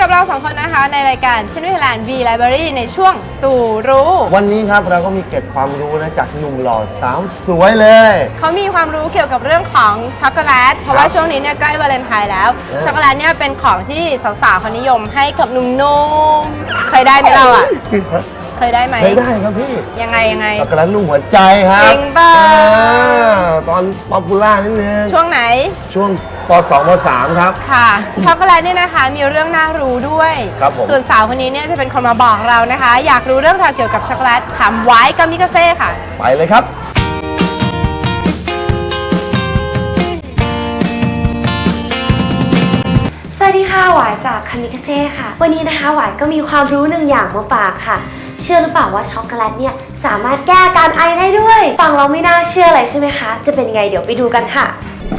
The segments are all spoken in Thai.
กับเรา2คนนะคะในรายการชินวิทยาลัย V Library ในช่วงสู่รู้วันนี้ครับเราก็มีเกร็ดความรู้นะจากหนุ่มหล่อสาวสวยเลยเขามีความรู้เกี่ยวกับเรื่องของช็อกโกแลตเพราะว่าช่วงนี้เนี่ยใกล้วาเลนไทน์แล้วช็อกโกแลตเนี่ยเป็นของที่สาวๆเขานิยมให้กับหนุ่มๆเคยได้ไหมเราอ่ะเคยได้ไหมเคยได้ครับพี่ยังไงช็อกโกแลตลูกหัวใจครับจริงป่ะตอนป๊อปปูล่านิดนึงช่วงไหนช่วงป .2 ป .3 ครับค่ะช็อกโกแลตเนี่ยนะคะมีเรื่องน่ารู้ด้วยครับผมส่วนสาวคนนี้เนี่ยจะเป็นคนมาบอกเรานะคะอยากรู้เรื่องราวเกี่ยวกับช็อกโกแลตถามไว้กามิกาเซ่ค่ะไปเลยครับสวัสดีค่ะหวายจากคามิคาเซ่ค่ะวันนี้นะคะหวายก็มีความรู้หนึ่งอย่างมาฝากค่ะเชื่อหรือเปล่าว่าช็อกโกแลตเนี่ยสามารถแก้อาการไอได้ด้วยฟังเราไม่น่าเชื่อเลยใช่ไหมคะจะเป็นยังไงเดี๋ยวไปดูกันค่ะ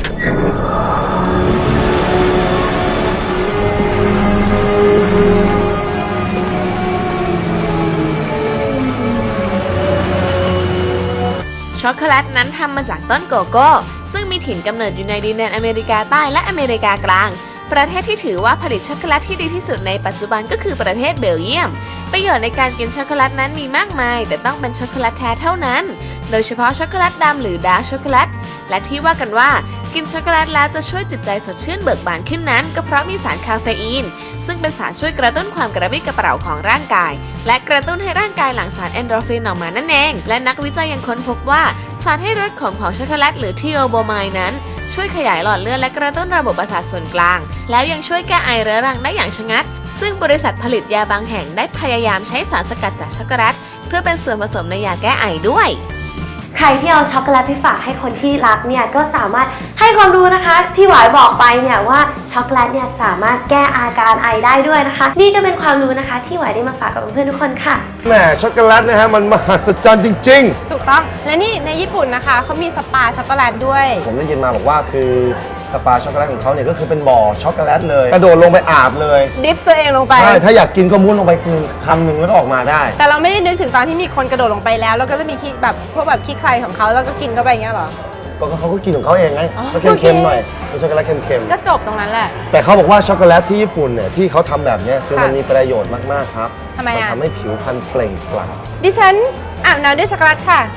ช็อกโกแลตนั้นทำมาจากต้นโกโก้ซึ่งมีถิ่นกำเนิดอยู่ในดินแดนอเมริกาใต้และอเมริกากลางประเทศที่ถือว่าผลิตช็อกโกแลตที่ดีที่สุดในปัจจุบันก็คือประเทศเบลเยียมประโยชน์ในการกินช็อกโกแลตนั้นมีมากมายแต่ต้องเป็นช็อกโกแลตแท้เท่านั้นโดยเฉพาะช็อกโกแลตดำหรือดาร์กช็อกโกแลตและที่ว่ากันว่ากินช็อกโกแลตแล้วจะช่วยจิตใจสดชื่นเบิกบานขึ้นนั้นก็เพราะมีสารคาเฟอีนซึ่งเป็นสารช่วยกระตุ้นความกระปรี้กระเปร่าของร่างกายและกระตุ้นให้ร่างกายหลั่งสารเอนโดรฟินออกมานั่นเองและนักวิจัยยังค้นพบว่าสารให้รสขมของช็อกโกแลตหรือทีโอโบไมด์นั้นช่วยขยายหลอดเลือดและกระตุ้นระบบประสาทส่วนกลางแล้วยังช่วยแก้ไอเรื้อรังได้อย่างชะงัดซึ่งบริษัทผลิตยาบางแห่งได้พยายามใช้สารสกัดจากช็อกโกแลตเพื่อเป็นส่วนผสมในยาแก้ไอด้วยใครที่เอาช็อกโกแลตไปฝากให้คนที่รักเนี่ยก็สามารถให้ความรู้นะคะที่หวายบอกไปเนี่ยว่าช็อกโกแลตเนี่ยสามารถแก้อาการไอได้ด้วยนะคะนี่ก็เป็นความรู้นะคะที่หวายได้มาฝากกับเพื่อนๆทุกคนค่ะแหมช็อกโกแลตนะฮะมันมหัศจรรย์จริงๆถูกต้องและนี่ในญี่ปุ่นนะคะเขามีสปาช็อกโกแลตด้วยผมได้ยินมาบอกว่าคือสปาช็อกโกแลตของเขาเนี่ยก็คือเป็นบ่อช็อกโกแลตเลยกระโดดลงไปอาบเลยดิฟตัวเองลงไปใช่ถ้าอยากกินก็มุดลงไปคำหนึ่งแล้วก็ออกมาได้แต่เราไม่ได้นึกถึงตอนที่มีคนกระโดดลงไปแล้วแล้วก็จะมีขี้แบบพวกแบบขี้ใครของเขาแล้วก็กินเข้าไปอย่างเงี้ยหรอก็เขาก็กินของเขาเองไงก็เค็มๆหน่อยเป็นช็อกโกแลตเค็มๆก็จบตรงนั้นแหละแต่เขาบอกว่าช็อกโกแลตที่ญี่ปุ่นเนี่ยที่เขาทำแบบนี้คือมันมีประโยชน์มากๆครับทำไมอ่ะทำให้ผิวพรรณเปล่งปลั่งดิฉันอาบน้ำด้วยช็อกโกแลตค่ะ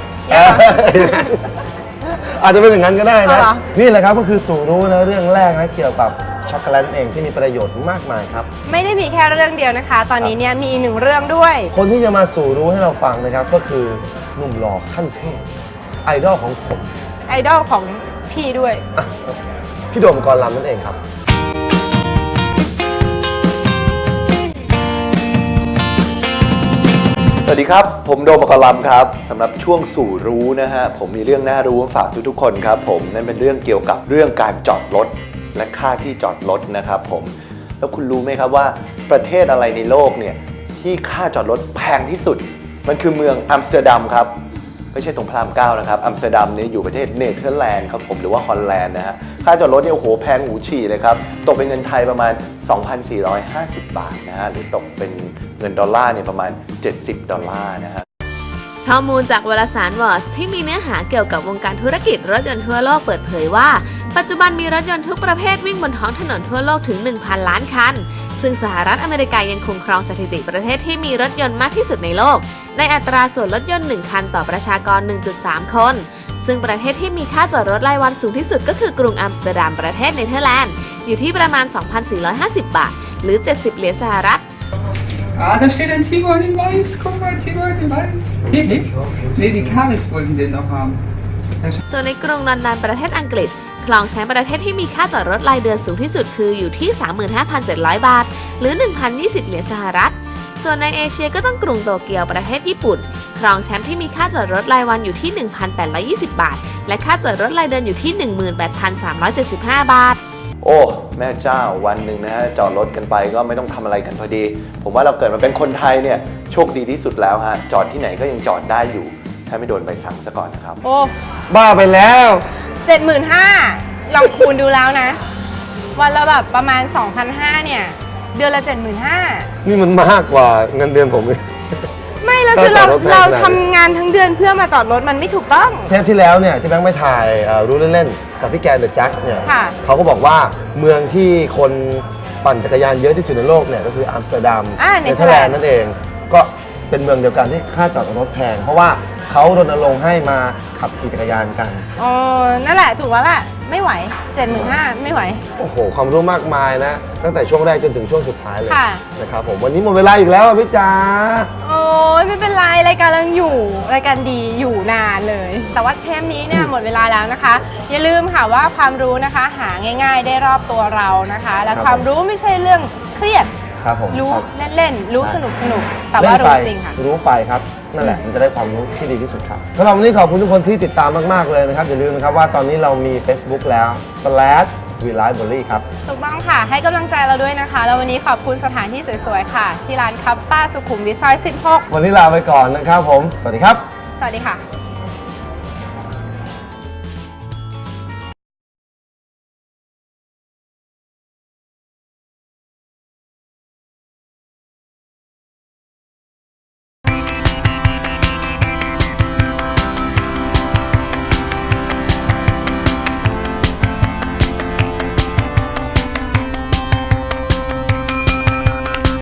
อาจจะเป็นอย่างนั้นก็ได้นะนี่แหละครับก็คือสู่รู้นะเรื่องแรกนะเกี่ยวกับช็อกโกแลตเองที่มีประโยชน์มากมายครับไม่ได้มีแค่เรื่องเดียวนะคะตอนนี้เนี่ยมีอีกหนึ่งเรื่องด้วยคนที่จะมาสู่รู้ให้เราฟังนะครับก็คือหนุ่มหล่อขั้นเทพไอดอลของผมไอดอลของพี่ด้วยพี่โดมกรลำนั่นเองครับสวัสดีครับผมโดมกรลำครับสำหรับช่วงสู่รู้นะฮะผมมีเรื่องน่ารู้มาฝากทุกๆคนครับผมนั่นเป็นเรื่องเกี่ยวกับเรื่องการจอดรถและค่าที่จอดรถนะครับผมแล้วคุณรู้ไหมครับว่าประเทศอะไรในโลกเนี่ยที่ค่าจอดรถแพงที่สุดมันคือเมืองอัมสเตอร์ดัมครับไม่ใช่ตรงพระราม9นะครับอัมสเตอร์ดัมเนี่ยอยู่ประเทศเนเธอร์แลนด์ครับผมหรือว่าฮอลแลนด์นะฮะค่าจอดรถเนี่ยโอ้โหแพงหูฉี่เลยครับตกเป็นเงินไทยประมาณ 2,450 บาทนะฮะหรือตกเป็นเงินดอลลาร์เนี่ยประมาณ$70นะฮะข้อมูลจากวารสารวอร์สที่มีเนื้อหาเกี่ยวกับวงการธุรกิจรถยนต์ทั่วโลกเปิดเผยว่าปัจจุบันมีรถยนต์ทุกประเภทวิ่งบนท้องถนนทั่วโลกถึง 1,000 ล้านคันซึ่งสหรัฐอเมริกายังคงครองสถิติประเทศที่มีรถยนต์มากที่สุดในโลกในอัตราส่วนรถยนต์1คันต่อประชากร 1.3 คนซึ่งประเทศที่มีค่าจอดรถรายวันสูงที่สุดก็คือกรุงอัมสเตอร์ดัมประเทศเนเธอร์แลนด์อยู่ที่ประมาณ 2,450 บาทหรือ$70สหรัฐ Da steht ein Tiguan in Weiß. Guck mal, Tiguan in Weiß. Nee, die Karis wollten den noch haben. ส่วนในกรุงลอนดอนประเทศอังกฤษครองแชมป์ประเทศที่มีค่าจอดรถรายเดือนสูงที่สุดคืออยู่ที่ 35,700 บาทหรือ 1,020 สหรัฐส่วนในเอเชียก็ต้องกรุงโตเกียวประเทศญี่ปุ่นครองแชมป์ที่มีค่าจอดรถรายวันอยู่ที่ 1,820 บาทและค่าจอดรถรายเดือนอยู่ที่ 18,375 บาทโอ้แม่เจ้าวันหนึ่งนะฮะจอดรถกันไปก็ไม่ต้องทำอะไรกันพอดีผมว่าเราเกิดมาเป็นคนไทยเนี่ยโชคดีที่สุดแล้วฮะจอดที่ไหนก็ยังจอดได้อยู่ถ้าไม่โดนใบสั่งซะก่อนนะครับโอ้บ้าไปแล้ว 75,000ลองคูณดูแล้วนะวันละแบบประมาณ 2,500 เนี่ยเดือนละ 75,000 นี่มันมากกว่าเงินเดือนผมเลยไม่แล้วคือเราทำงานทั้งเดือนเพื่อมาจอดรถมันไม่ถูกต้องเทปที่แล้วเนี่ยที่แบงค์ไปถ่ายรู้เล่นๆกับพี่แกนเดอะแจ็คส์เนี่ยเขาก็บอกว่าเมืองที่คนปั่นจักรยานเยอะที่สุดในโลกเนี่ยก็คืออัมสเตอร์ดัมเนเนเธเธออร์ร์แลแลนนด์ด์นั่นเองก็เป็นเมืองเดียวกันที่ค่าจอดรถแพงเพราะว่าเขารณรงค์ให้มาขับขี่จักรยานกันอ๋อนั่นแหละถูกแล้วแหละไม่ไหว 75,000ไม่ไหวโอ้โหความรู้มากมายนะตั้งแต่ช่วงแรกจนถึงช่วงสุดท้ายเลยค่ะนะครับผมวันนี้หมดเวลาอีกแล้วอะพี่จ๋าโอ้ยไม่เป็นไรรายการเรายังอยู่รายการดีอยู่นานเลย แต่ว่าเทปนี้เนี่ยหมดเวลาแล้วนะคะ อย่าลืมค่ะว่าความรู้นะคะหาง่าย ๆ ได้รอบตัวเรานะคะ และความรู้ไม่ใช่เรื่องเครียดครับผมรู้ครับเล่นๆรู้สนุกๆแต่ว่าเล่นรู้ไปจริงค่ะรู้ไปครับนั่นแหละมันจะได้ความรู้ที่ดีที่สุดครับสำหรับวันนี้ขอบคุณทุกคนที่ติดตามมากๆเลยนะครับอย่าลืมนะครับว่าตอนนี้เรามี Facebook แล้ว /WeLifeBurley ครับถูกต้องค่ะให้กำลังใจเราด้วยนะคะ แล้ววันนี้ขอบคุณสถานที่สวยๆค่ะ ที่ร้านคัปป้าสุขุมวิทซอย 16 วันนี้ลาไปก่อนนะครับผมสวัสดีครับสวัสดีค่ะ